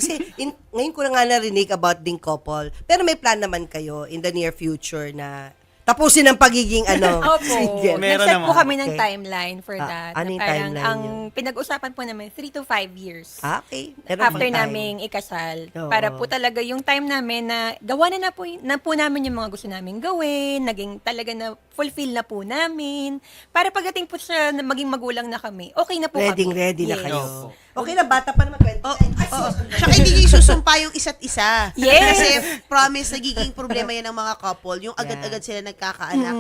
Kasi ngayon ko na nga narinig about ding couple. Pero may plan naman kayo in the near future na tapusin ang pagiging Opo. single. Meron Nag-set po naman. kami ng Okay. timeline for Ah, that. ano Na yung parang timeline ang yun? pinag-usapan po namin 3 to 5 years. Okay. Meron After pang time. naming ikasal. Oo. Para po talaga yung time namin na gawa na po namin yung mga gusto namin gawin, naging talaga na fulfill na po namin. Para pagdating po sa maging magulang na kami, okay na po kami. Ready na Yes. kayo. Opo. Okay na, bata pa naman, 29. Tsaka hindi niyo isusumpa yung isa't isa. Yes. Kasi promise, nagiging problema yan ng mga couple. Yung agad-agad sila nagkakaanak.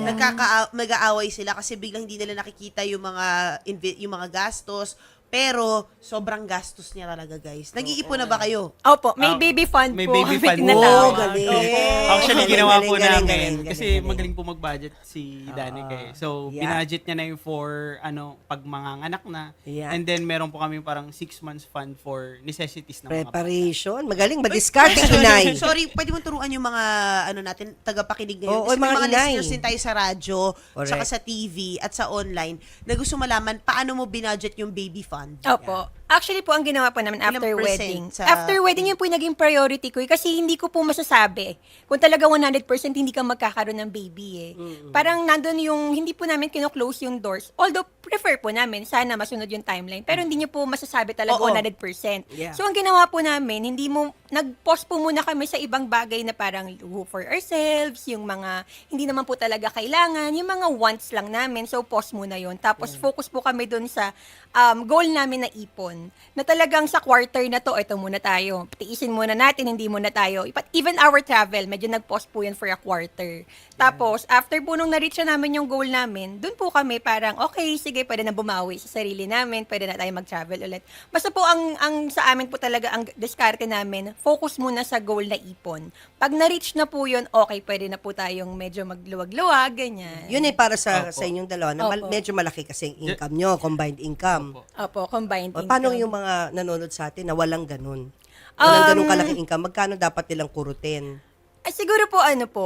Mag-aaway sila kasi biglang hindi nila nakikita yung mga gastos. Pero, sobrang gastos niya talaga, guys. Nag-iipon na ba kayo? Opo, may baby fund May po. baby kami fund po. tinatawag. Oh, galing. Actually, Galing, ginawa galing, po galing, namin. galing, Kasi galing. magaling po mag-budget si Danica eh. So, Yeah. binudget niya na yung for, pag manganganak na. Yeah. And then, meron po kami parang 6 months fund for necessities ng mga bata. Preparation. Magaling. Mag-discard ang inay. Sorry, pwede mo turuan yung mga natin tagapakinig ngayon. Oo, Kasi yung may mga mga inay. listeners din tayo sa radyo, Correct. saka sa TV at sa online na gusto malaman paano mo binudget yung baby fund. Opo. Actually po, ang ginawa po namin Ilang after percent wedding. sa- After wedding, yun po yung naging priority ko. Kasi hindi ko po masasabi kung talaga 100% hindi ka magkakaroon ng baby eh. Parang nandun yung, hindi po namin kino-close yung doors. Although, prefer po namin, sana masunod yung timeline. Pero hindi nyo po masasabi talaga Oo. 100%. Yeah. So, ang ginawa po namin, nag-pause po muna kami sa ibang bagay na parang luho for ourselves, yung mga, hindi naman po talaga kailangan, yung mga wants lang namin. So, pause muna yon. Tapos, focus po kami dun sa goal namin na ipon. Na talagang sa quarter na to, ito muna tayo. Tiisin muna natin, hindi muna tayo. Even our travel, medyo nag-pause po yun for a quarter. Tapos, after po nung na-reach na namin yung goal namin, dun po kami parang, okay, sige, pwede na bumawi sa sarili namin, pwede na tayo mag-travel ulit. Basta po, ang sa amin po talaga, ang diskarte namin, focus muna sa goal na ipon. Pag na-reach na po yun, okay, pwede na po tayong medyo magluwag-luwag, ganyan. Yun ay para sa Opo. inyong dalawa na Opo. medyo malaki kasi ang income nyo, combined income. Opo. Opo, combined O, income. paano yung mga nanonood sa atin na walang ganun? Walang ganun kalaking income. Magkano dapat nilang kurutin? Ay, siguro po,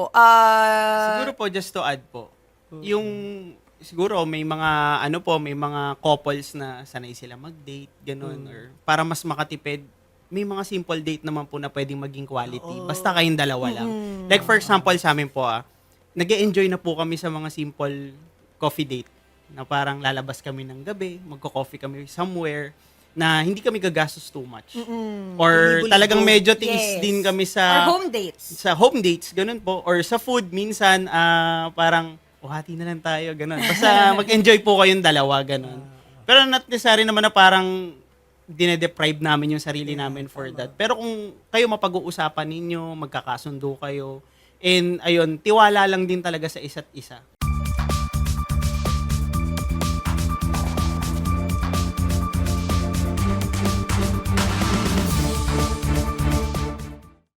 Siguro po, just to add po, yung siguro may mga may mga couples na sanay sila mag-date, ganun, or para mas makatipid, may mga simple date naman po na pwedeng maging quality. Basta kayong dalawa lang. Like for example, sa amin po, nag-e-enjoy na po kami sa mga simple coffee date na parang lalabas kami ng gabi, magko-coffee kami somewhere na hindi kami gagastos too much. Or Libo-libo. talagang medyo tiis Yes. din kami Or sa home dates. dates, ganun po. Or sa food, minsan, parang, hati na lang tayo, ganun. Basta mag-enjoy po kayong dalawa, ganun. Pero not necessary naman na parang dinedeprive namin yung sarili namin for that. Pero kung kayo mapag-uusapan ninyo, magkakasundo kayo, and ayun, tiwala lang din talaga sa isa't isa.